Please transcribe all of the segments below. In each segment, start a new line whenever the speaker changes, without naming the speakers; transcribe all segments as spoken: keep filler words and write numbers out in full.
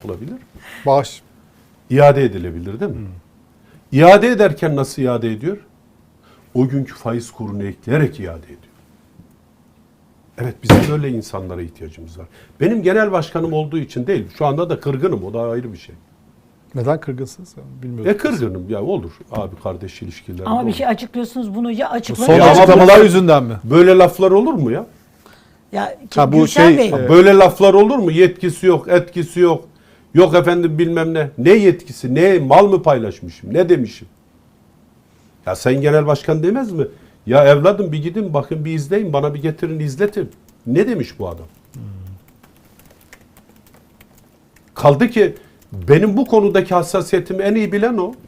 olabilir.
Bağış.
İade edilebilir değil mi? Hmm. İade ederken nasıl iade ediyor? O günkü faiz kurunu ekleyerek iade ediyor. Evet, bizim böyle insanlara ihtiyacımız var. Benim genel başkanım olduğu için değil. Şu anda da kırgınım. O da ayrı bir şey.
Neden kırgınsınız? Bilmiyorum.
E kırgınım ya, olur. Abi kardeş ilişkileri.
Ama
olur.
bir şey açıklıyorsunuz, bunu ya
Son
açıklayın.
açıklamalar yüzünden mi?
Böyle laflar olur mu ya?
Ya
Ha, bu
Gülşen
şey,
Bey,
e,
Böyle laflar olur mu? Yetkisi yok, etkisi yok. Yok efendim bilmem ne. Ne yetkisi? Ne mal mı paylaşmışım? Ne demişim? Ya Sayın Genel Başkan demez mi? Ya evladım bir gidin bakın, bir izleyin, bana bir getirin izletin. Ne demiş bu adam? Hmm. Kaldı ki benim bu konudaki hassasiyetimi en iyi bilen o.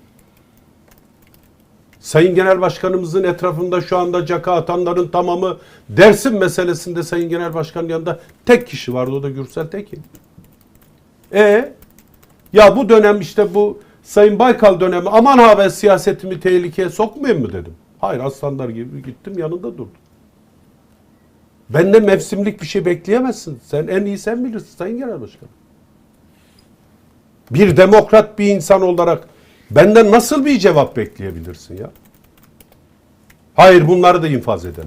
Sayın Genel Başkanımızın etrafında şu anda caka atanların tamamı, Dersim meselesinde Sayın Genel Başkan'ın yanında tek kişi vardı, o da Gürsel Tekin. E ya bu dönem işte bu Sayın Baykal dönemi, aman ha ben siyasetimi tehlikeye sokmayayım mı dedim. Hayır, aslanlar gibi gittim, yanında durdum. Benden mevsimlik bir şey bekleyemezsin. Sen en iyi sen bilirsin Sayın Genel Başkan. Bir demokrat bir insan olarak benden nasıl bir cevap bekleyebilirsin ya? Hayır, bunları da infaz edelim.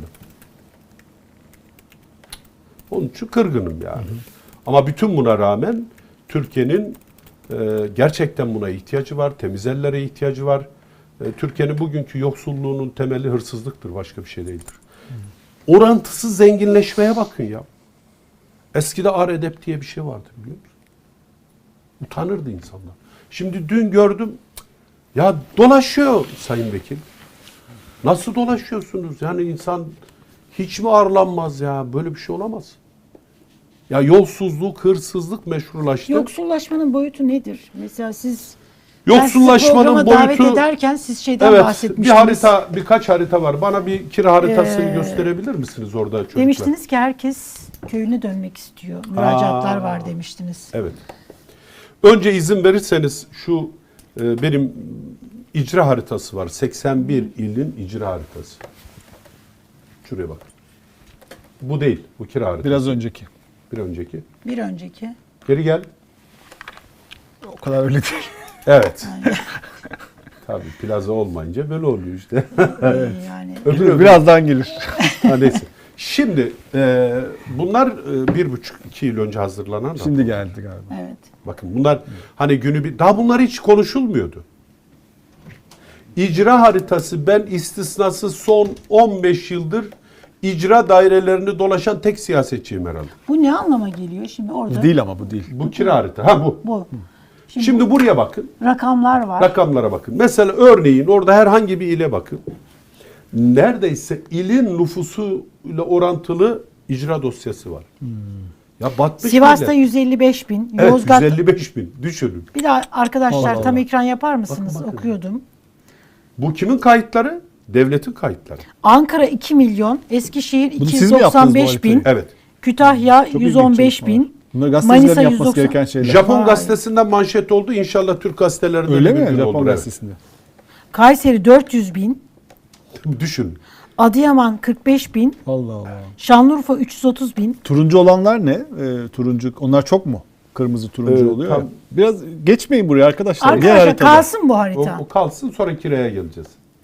Onun için kırgınım yani. Hı hı. Ama bütün buna rağmen Türkiye'nin e, gerçekten buna ihtiyacı var. Temiz ellere ihtiyacı var. E, Türkiye'nin bugünkü yoksulluğunun temeli hırsızlıktır. Başka bir şey değildir. Hı. Orantısız zenginleşmeye bakın ya. Eskide ar edep diye bir şey vardı, biliyor musun? Utanırdı insanlar. Şimdi dün gördüm, ya dolaşıyor Sayın Vekil. Nasıl dolaşıyorsunuz? Yani insan hiç mi arlanmaz ya? Böyle bir şey olamaz. Ya yolsuzluk, hırsızlık meşrulaştı.
yoksullaşmanın boyutu nedir? Mesela siz
Yoksullaşmanın boyutu,
davet ederken siz şeyden
evet,
bahsetmiştiniz.
bir harita, birkaç harita var. Bana bir kira haritasını
Ee,
gösterebilir misiniz orada çocuklar?
Demiştiniz ki herkes köyüne dönmek istiyor. Müracaatlar
Aa,
var demiştiniz.
Evet. Önce izin verirseniz şu e, benim icra haritası var. seksen bir ilin icra haritası. Şuraya bak. Bu değil. Bu kira haritası.
Biraz önceki.
Bir önceki.
Bir önceki.
Geri gel.
O kadar öyle değil.
Evet. Tabii plaza olmayınca böyle oluyor işte.
Evet. Yani
Öbür, öbür.
Birazdan gelir.
Ha, neyse. Şimdi e, bunlar e, bir buçuk iki yıl önce hazırlanan.
Şimdi geldi galiba.
evet.
Bakın bunlar hani günü bir, daha bunlar hiç konuşulmuyordu. İcra haritası, ben istisnasız son on beş yıldır icra dairelerini dolaşan tek siyasetçiyim herhalde.
Bu ne anlama geliyor şimdi orada?
Bu değil ama bu değil.
Bu kira harita. Ha bu.
Bu. Şimdi,
Şimdi buraya bakın.
rakamlar var.
Rakamlara bakın. Mesela örneğin orada herhangi bir ile bakın. Neredeyse ilin nüfusuyla orantılı icra dosyası var. Hmm. Ya batmış
Sivas'ta
bile.
yüz elli beş bin.
Evet,
Yozgat
yüz elli beş bin. Düşünün.
Bir daha arkadaşlar
Allah
tam
Allah.
ekran yapar mısınız?
Bakın, bakın.
Okuyordum.
Bu kimin kayıtları? Devletin kayıtları.
Ankara iki milyon, Eskişehir
Bunu
iki
siz
yüz
mi yaptınız
doksan
bu
beş bin,
haritayı?
Evet.
Kütahya
Çok
yüz on
ilginç
beş
çalışmalar.
bin,
Bunlar
Manisa
gazetecilerin
yüz
yapması
doksan.
gereken şeyler.
Japon
Vay.
gazetesinden manşet oldu. İnşallah Türk gazetelerinde
Öyle
bir
mi?
gün
Japon
olur.
gazetesinde.
Kayseri dört yüz bin,
Evet. Düşün.
Adıyaman kırk beş bin,
Allah Allah.
Şanlıurfa üç yüz otuz bin.
Turuncu olanlar ne? Ee, turuncu. Onlar çok mu? Kırmızı turuncu
Evet,
oluyor
tam-
ya. Biraz geçmeyin buraya arkadaşlar. Diğer
Arkadaşlar
haritada.
kalsın bu
O,
harita.
o kalsın, sonra kiraya geleceğiz.